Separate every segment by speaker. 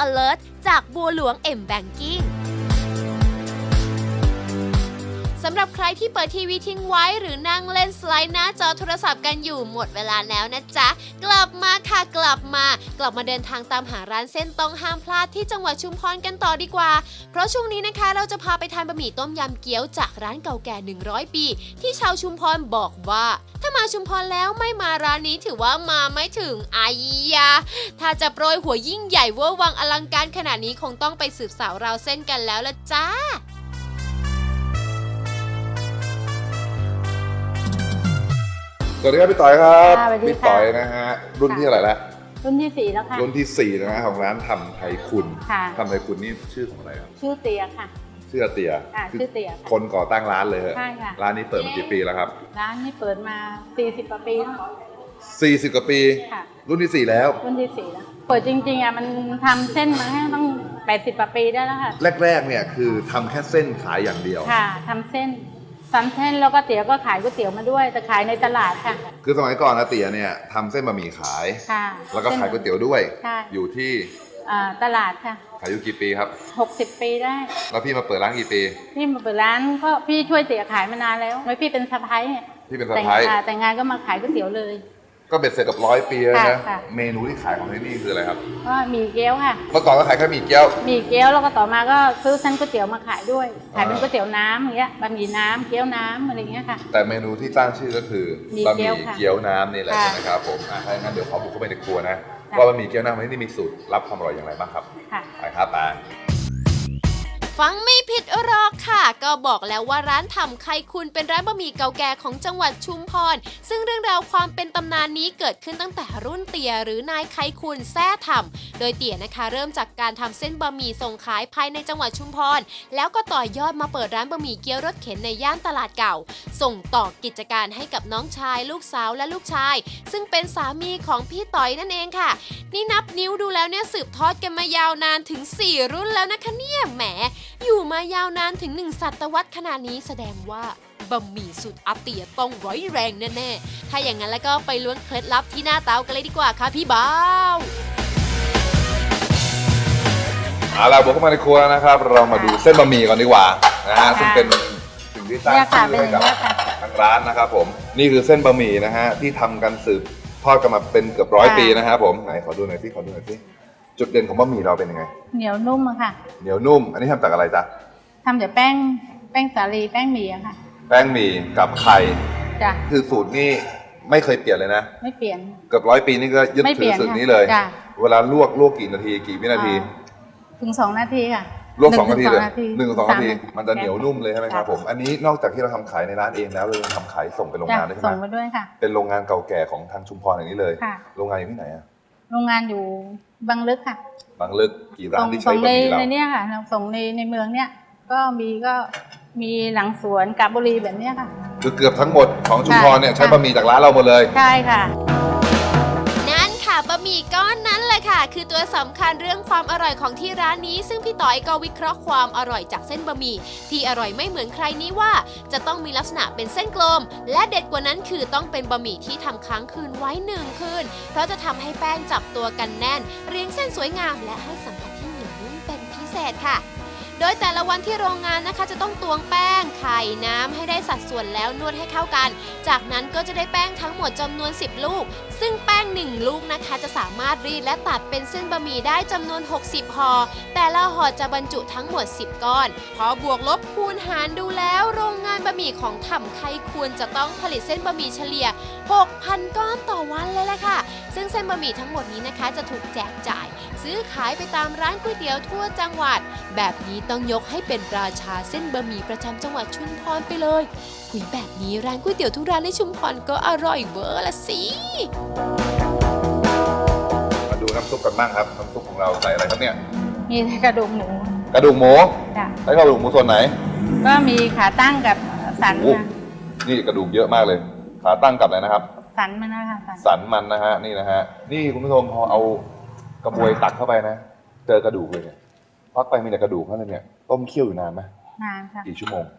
Speaker 1: alert จากบัวหลวง M Bankingสำหรับใครที่เปิดทีวีทิ้งไว้หรือนั่งเล่นสไลด์หน้าจอโทรศัพท์กันอยู่หมดเวลาแล้วนะจ๊ะกลับมาค่ะกลับมาเดินทางตามหาร้านเส้นต้องห้ามพลาดที่จังหวัดชุมพรกันต่อดีกว่าเพราะช่วงนี้นะคะเราจะพาไปทานบะหมี่ต้มยำเกี๊ยวจากร้านเก่าแก่100 ปีที่ชาวชุมพรบอกว่าถ้ามาชุมพรแล้วไม่มาร้านนี้ถือว่ามาไม่ถึงอายาถ้าจะโปรยหัวยิ่งใหญ่เวอร์วังอลังการขนาดนี้คงต้องไปสืบสาวราวเส้นกันแล้วละจ้า
Speaker 2: สวัสดีครับพี่ต่อยครับ
Speaker 3: สวัสดีค่ะ
Speaker 2: พี่ต่อยนะฮะรุ่นที่อะไรแล้ว
Speaker 3: รุ่นที่ 4 แล้วค่ะ
Speaker 2: รุ่นที่4นะฮะของร้านทำไทยคุณ
Speaker 3: ค่ะ
Speaker 2: ทำไทยคุณนี่ชื่อของอะไรครับ
Speaker 3: ชื่อเตียค่ะ
Speaker 2: ชื่ออาเตีย
Speaker 3: ชื่อเตียค่ะ
Speaker 2: คนก่อตั้งร้านเลยเหรอ
Speaker 3: ใช่ค่ะ
Speaker 2: ร้านนี้เปิดมากี่ปีแล้วครับ
Speaker 3: ร้านนี้เปิดมา 40 กว่าปีแล้ว
Speaker 2: 40 กว่าปี
Speaker 3: ค่ะ
Speaker 2: รุ่นที่ 4 แล้ว
Speaker 3: รุ่นที่ 4 แล้ว เปิดจริงๆมันทำเส้นมาให้ต้อง 80 กว่าปีได้แล้วค่ะ
Speaker 2: แรกๆเนี่ยคือทำแค่เส้นขายอย่างเดียว
Speaker 3: ค่ะทำเส้นซ้ำเส้นแล้วก็เตี๋ยวก็ขายก๋วยเตี๋ยวมาด้วยแต่ขายในตลาดค่ะ
Speaker 2: คือสมัยก่อนอาเตียเนี่ยทำเส้นบะหมี่ขาย
Speaker 3: ค่ะ
Speaker 2: แล้วก็ขายก๋วยเตี๋ยวด้วย
Speaker 3: ใช่
Speaker 2: อยู่ที่
Speaker 3: ตลาดค่ะ
Speaker 2: ขายอยู่กี่ปีครับ
Speaker 3: 60 ปีได้
Speaker 2: แล้วพี่มาเปิดร้านกี่ปี
Speaker 3: พี่มาเปิดร้านก็พี่ช่วยเตี๋ยขายมานานแล้วไม่พี่เป็นสะพ้ายเนี่ย
Speaker 2: พี่เป็นสะพ้าย
Speaker 3: แต่งงานก็มาขายก๋วยเตี๋ยวเลย
Speaker 2: ก็เบ็ดเสร็จกับ100 ปีแล้วนะ
Speaker 3: ค่ะ
Speaker 2: เมนูที่ขายของที่นี่คืออะไรครับ
Speaker 3: ก็หมี่เกี๊ยวค่ะ
Speaker 2: เมื่อก่อนก็ขายแค่หมี่เกี๊ยว
Speaker 3: หมี่เกี๊ยวแล้วก็ต่อมาก็ซื้อเส้นก๋วยเตี๋ยวมาขายด้วย ขายเป็นก๋วยเตี๋ยวน้ำอย่างเงี้ยบะหมี่น้ำเกี๊ยวน้ำอะไรอย่างเงี้ยค่ะ
Speaker 2: แต่เมนูที่ตั้งชื่อก็คือ
Speaker 3: หมี่
Speaker 2: บะห
Speaker 3: เกี๊
Speaker 2: มี่
Speaker 3: ยวค่ะ
Speaker 2: เกี๊ยวน้ำนี่แหละ
Speaker 3: ค่ะ
Speaker 2: ใช่ไหมครับผมถ้าอย่างนั้นเดี๋ยวขอบุกเข้าไปในครัวนะ
Speaker 3: ค่ะ
Speaker 2: ว่าบะหมี่เกี๊ยวน้ำที่นี่มีสูตรลับความอร่อยอย่างไรบ้างครับ
Speaker 3: ค่ะ
Speaker 2: ไปครับไป
Speaker 1: ฟังไม่ผิดหรอกค่ะ ก็บอกแล้วว่าร้านทำไข่คุณเป็นร้านบะหมี่เก่าแก่ของจังหวัดชุมพรซึ่งเรื่องราวความเป็นตำนานนี้เกิดขึ้นตั้งแต่รุ่นเตี่ยหรือนายไข่คุณแท้ทำโดยเตี่ยนะคะเริ่มจากการทำเส้นบะหมี่ส่งขายภายในจังหวัดชุมพรแล้วก็ต่อยอดมาเปิดร้านบะหมี่เกี๊ยวรถเข็นในย่านตลาดเก่า ส่งต่อกิจการให้กับน้องชายลูกสาวและลูกชายซึ่งเป็นสามีของพี่ต่อยนั่นเองค่ะนี่นับนิ้วดูแล้วเนี่ยสืบทอดกันมายาวนานถึง4 รุ่นแล้วนะคะเนี่ยแหมอยู่มายาวนานถึง1 ศตวรรษขนาดนี้แสดงว่าบะหมี่สุดอาเตียต้องร้อยแรงแน่ๆถ้าอย่างนั้นแล้วก็ไปล้วงเคล็ดลับที่หน้าเตากันเลยดีกว่าค่ะพี่บ่าว
Speaker 2: เอาล่ะบุกเข้ามาในครัวนะครับ เรามาดูเส้นบะหมี่ก่อนดีกว่านะฮะซึ่งเป็นสิ่งที่สร้าง
Speaker 3: เนี่ยค่ะ
Speaker 2: ชื่อให้กับ
Speaker 3: เป็นอย่างเงี้ยค่ะ
Speaker 2: ทางร้านนะครับผมนี่คือเส้นบะหมี่นะฮะที่ทำกันสืบทอดกันมาเป็นเกือบ100 ปีนะครับผมไหนขอดูหน่อยสิจุดเด่นของบะหมี่เราเป็นยังไง
Speaker 3: เหนียวนุ่มอะค่ะ
Speaker 2: เหนียวนุ่ม อันนี้ทำจากอะไรจ๊ะ
Speaker 3: ทำจากแป้งสาลีแป้งหมี่อะค่ะ
Speaker 2: แป้งหมี่กับไข่
Speaker 3: จ้ะ
Speaker 2: คือสูตรนี่ไม่เคยเปลี่ยนเลยนะ
Speaker 3: ไม่เปลี่ยน
Speaker 2: เกือบ100 ปีนี่ก็ยึด
Speaker 3: ไม่เป
Speaker 2: ถื
Speaker 3: ลี่
Speaker 2: อย
Speaker 3: น
Speaker 2: สูตร
Speaker 3: ค่ะ
Speaker 2: นี้เลย
Speaker 3: จ้ะ
Speaker 2: เวลาลวกกี่นาทีกี่วินาที
Speaker 3: ถึง 2 นาทีค่ะ
Speaker 2: ลวก2 นาทีเลย
Speaker 3: หนึ่งถึง
Speaker 2: 1-2 นาที
Speaker 3: 3
Speaker 2: มันจะเหนียวนุ่มเลยใช่ไหมครับ
Speaker 3: จ้ะ
Speaker 2: ผมอันนี้นอกจากที่เราทำขายในร้านเองแล้วเรายังทำขายส่งไปโรง
Speaker 3: จ้ะ
Speaker 2: งานด้วยใช่
Speaker 3: ส่ง
Speaker 2: ไหม
Speaker 3: มาด้วยค่ะ
Speaker 2: เป็นโรงงานเก่าแก่ของทางชุมพรอย่างนี้เลย
Speaker 3: ค่ะ
Speaker 2: โรงงานอยู่ที่ไหนอะ
Speaker 3: โรงงานอยู่บางลึกค่ะ
Speaker 2: บางลึกกี่ร้านที่ใช้
Speaker 3: ส่ง
Speaker 2: บะหมี่เรา
Speaker 3: ในเนี้ยค่ะส่งในเมืองเนี้ยก็มีหลังสวนกาญบุรีแบบเนี้ยค่ะ
Speaker 2: คือเกือบทั้งหมดของชุมพรเนี่ย
Speaker 3: ค่ะ
Speaker 2: ใช้บะหมี่จากร้านเราหมดเลย
Speaker 3: ใช่ค่ะ
Speaker 1: นั่นค่ะบะหมี่ก้อนนั้นแหละค่ะ คือตัวสำคัญเรื่องความอร่อยของที่ร้านนี้ ซึ่งพี่ต่อยก็วิเคราะห์ความอร่อยจากเส้นบะหมี่ที่อร่อยไม่เหมือนใครนี้ว่า จะต้องมีลักษณะเป็นเส้นกลม และเด็ดกว่านั้นคือต้องเป็นบะหมี่ที่ทำค้างคืนไว้1 คืนเพราะจะทำให้แป้งจับตัวกันแน่น เรียงเส้นสวยงามและให้สัมผัสที่เหนียวนุ่มเป็นพิเศษค่ะ โดยแต่ละวันที่โรงงานนะคะจะต้องตวงแป้งไข่น้ำให้ได้สัดส่วนแล้วนวดให้เข้ากัน จากนั้นก็จะได้แป้งทั้งหมดจำนวน10 ลูก ซึ่งแป้ง1 ลูกนะคะจะสามารถรีดและตัดเป็นเส้นบะหมี่ได้จำนวน60 ห่อ แต่ละห่อจะบรรจุทั้งหมด10 ก้อน พอบวกลบคูณหารดูแล้วโรงงานบะหมี่ของถ่ำไข่ควรจะต้องผลิตเส้นบะหมี่เฉลี่ย 6,000 ก้อนต่อวันเลยล่ะค่ะ ซึ่งเส้นบะหมี่ทั้งหมดนี้นะคะจะถูกแจกจ่าย ซื้อขายไปตามร้านก๋วยเตี๋ยวทั่วจังหวัด แบบนี้ต้องยกให้เป็นราชาเส้นบะหมี่ประจำจังหวัดชุมพรไปเลยคุยแบบนี้ร้านก๋วยเตี๋ยวทุกร้านในชุมพรก็อร่อยเวอร์ละสิ
Speaker 2: มาดูน้ำซุปกันบ้างครับน้ำซุปของเราใส่อะไรครับเนี่ย
Speaker 3: มีกระดูกหมู
Speaker 2: กระดูกหมู
Speaker 3: จ้ะ
Speaker 2: ใช้กระดูกหมูส่วนไหน
Speaker 3: ก็มีขาตั้งกับสัน
Speaker 2: โอ้
Speaker 3: ค่ะ
Speaker 2: นี่กระดูกเยอะมากเลยขาตั้งกับอะไรนะครับ
Speaker 3: สันมันนะคะสัน
Speaker 2: สันมันนะฮะนี่นะฮะนี่คุณผู้ชมพอเอากระบวยตักเข้าไปนะ เจอกระดูกเลยเนี่ยพักไปมีแต่กระดูกเท่านั้นเนี่ยต้มเคี่ยวอยู่นานไหม
Speaker 3: นานค่ะ
Speaker 2: กี่ชั่วโมง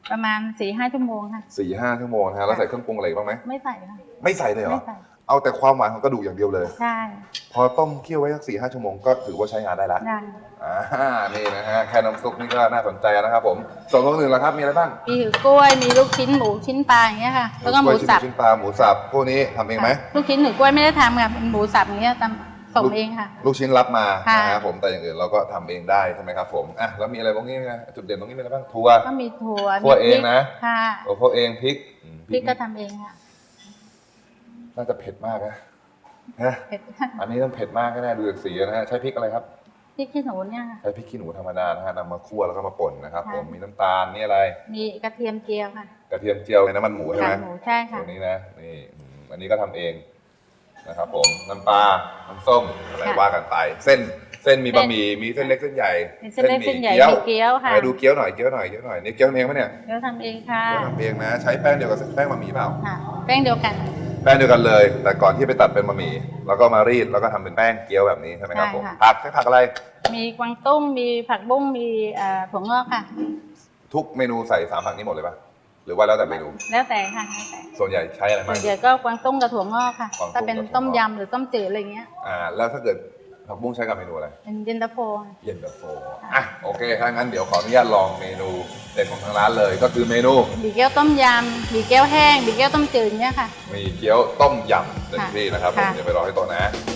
Speaker 3: ประมาณ 4-5 ชั่วโมงค่ะ
Speaker 2: 4-5 ชั่วโมงนะฮะแล้วใส่เครื่องปรุงอะไรอีกบ้างไหม
Speaker 3: ไม่ใส่ค่ะ
Speaker 2: ไม่ใส่เลยเหรอ
Speaker 3: ไม่ใส่
Speaker 2: เอาแต่ความหวานของกระดูกอย่างเดียวเลย
Speaker 3: ใช่
Speaker 2: พอต้มเคี่ยวไว้สัก4-5 ชั่วโมงก็ถือว่าใช้งานได้แล้ว
Speaker 3: ได้
Speaker 2: นี่นะฮะแค่น้ำซุปนี่ก็น่าสนใจนะครับผมส่วนของอื่นล่ะครับมีอะไรบ้าง
Speaker 3: มีหือกล้วยมีลูกชิ้นหมูชิ้นปลาอย่างเงี้ยค่ะแล้วก็หมูสับ
Speaker 2: ชิ้นปลาหมูสับพวกนี้ทำเองไหม
Speaker 3: ลูกชิ้นหือกล้วยไม่ได้ทำค่ะเป็นหมูสับอย่างเงี้ยทำส่งเองค่ะ
Speaker 2: ลูกชิ้นรับมา
Speaker 3: ค่ะ
Speaker 2: นะครับผมแต่อย่างอื่นเราก็ทำเองได้ใช่ไหมครับผมอ่ะแล้วมีอะไรบ้างนี่นะจุดเด่นตรงนี้มีอะไรบ้างถั่ว
Speaker 3: ก็มีถั่ว
Speaker 2: คั่วเองนะ
Speaker 3: ค่ะ
Speaker 2: คั่วเองพริก
Speaker 3: พริกก็ทำเองค่ะ
Speaker 2: น่าจะเผ็ดมากนะฮะ
Speaker 3: เผ็ด
Speaker 2: อันนี้ต้องเผ็ดมากแน่ๆดูจากสีนะฮะใช้พริกอะไรครับ
Speaker 3: พริกขี้หนูเนี่ยค่ะ
Speaker 2: ใช้พริกขี้หนูธรรมดานะฮะนำมาคั่วแล้วก็มาป่นนะครับ
Speaker 3: ค่ะ
Speaker 2: ผมมีน้ำตาลนี่อะไร
Speaker 3: มีกระเทียมเจียวค่ะ
Speaker 2: กระเทียมเจียวในน้ำมันหมูใช่ไหม
Speaker 3: กากหมูใช่ค่ะ
Speaker 2: ตัวนี้นะนี่อันนี้ก็ทำเองนะครับผมน้ำปลาน้ำส้มอะไร
Speaker 3: ค่ะ
Speaker 2: ว่ากันไปเส้นมีบะหมี่มีเส้นเล็กเส้นใหญ่
Speaker 3: มีเส้นเล็กเส้นใหญ่
Speaker 2: เกี๊ยว
Speaker 3: มีเกี๊ยวค่ะ
Speaker 2: ไหนดูเกี๊ยวหน่อยนี่เกี๊ยวทำเองไหมเนี่ย
Speaker 3: เกี๊ยวทำเองค่ะ
Speaker 2: เกี๊ยวทำเองนะใช้แป้งเดียวกับแป้งบะหมี่เปล่า
Speaker 3: ค่ะแป้งเดียวกัน
Speaker 2: แป้งเดียวกันเลย แต่ก่อนที่ไปตัดเป็นบะหมี่แล้วก็มารีดแล้วก็ทำเป็นแป้งเกี๊ยวแบบนี้ใช่ไหมครับ
Speaker 3: ใช่
Speaker 2: ผม
Speaker 3: ค่ะ
Speaker 2: ผักใช้ผักอะไร
Speaker 3: มีกวางตุ้งมีผักบุ้งมีถั่วงอกค่ะ
Speaker 2: ทุกเมนูใส่3ผักนี้หมดเลยปะหรือว่าแล้วแต่เมนู
Speaker 3: แล้วแต่ค่ะแล้วแต่
Speaker 2: ส่วนใหญ่ใช้อะไร
Speaker 3: ส่
Speaker 2: บ้า
Speaker 3: วน
Speaker 2: ง
Speaker 3: ใหญ่ก็กวางตุ้งกับถั่วงอกค่ะ
Speaker 2: กวางตุ้ง
Speaker 3: ถ้าเป็น
Speaker 2: กับถั่วงอก
Speaker 3: ต้มยำหรือต้มจืดอะไรเงี้ย
Speaker 2: แล้วถ้าเกิดผักบุ้งใช้กับเมนูอะไร
Speaker 3: เป็นเย็นตาโฟ
Speaker 2: เย็นตาโฟอ่ะโอเคถ้างั้นเดี๋ยวขออนุญาตลองเมนูเด็ดของทางร้านเลยก็คือเมนู
Speaker 3: บีเกี๊ยวต้มยำบีเกี๊ยวแห้งบีเกี๊ยวต้มจืดเนี้ยค่ะ
Speaker 2: มีเกี๊ยวต้มยำเต็ม
Speaker 3: ค่ะ
Speaker 2: ที่นะครับผม
Speaker 3: ค่ะ
Speaker 2: เดี๋ยวไปรอให้โต๊ะนะ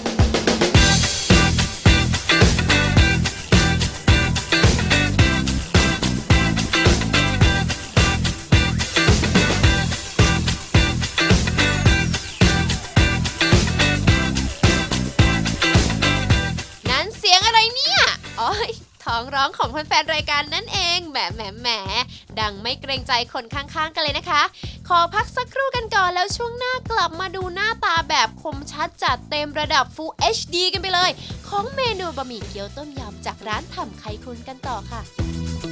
Speaker 1: นั้นเสียงอะไรเนี่ยอ๋อยท้องร้องของแฟนๆรายการนั่นเองแหมดังไม่เกรงใจคนข้างๆกันเลยนะคะ ขอพักสักครู่กันก่อนแล้วช่วงหน้ากลับมาดูหน้าตาแบบคมชัดจัดเต็มระดับ Full HD กันไปเลย ของเมนูบะหมี่เกี๊ยวต้มยำจากร้านทำไข่คุณกันต่อค่ะ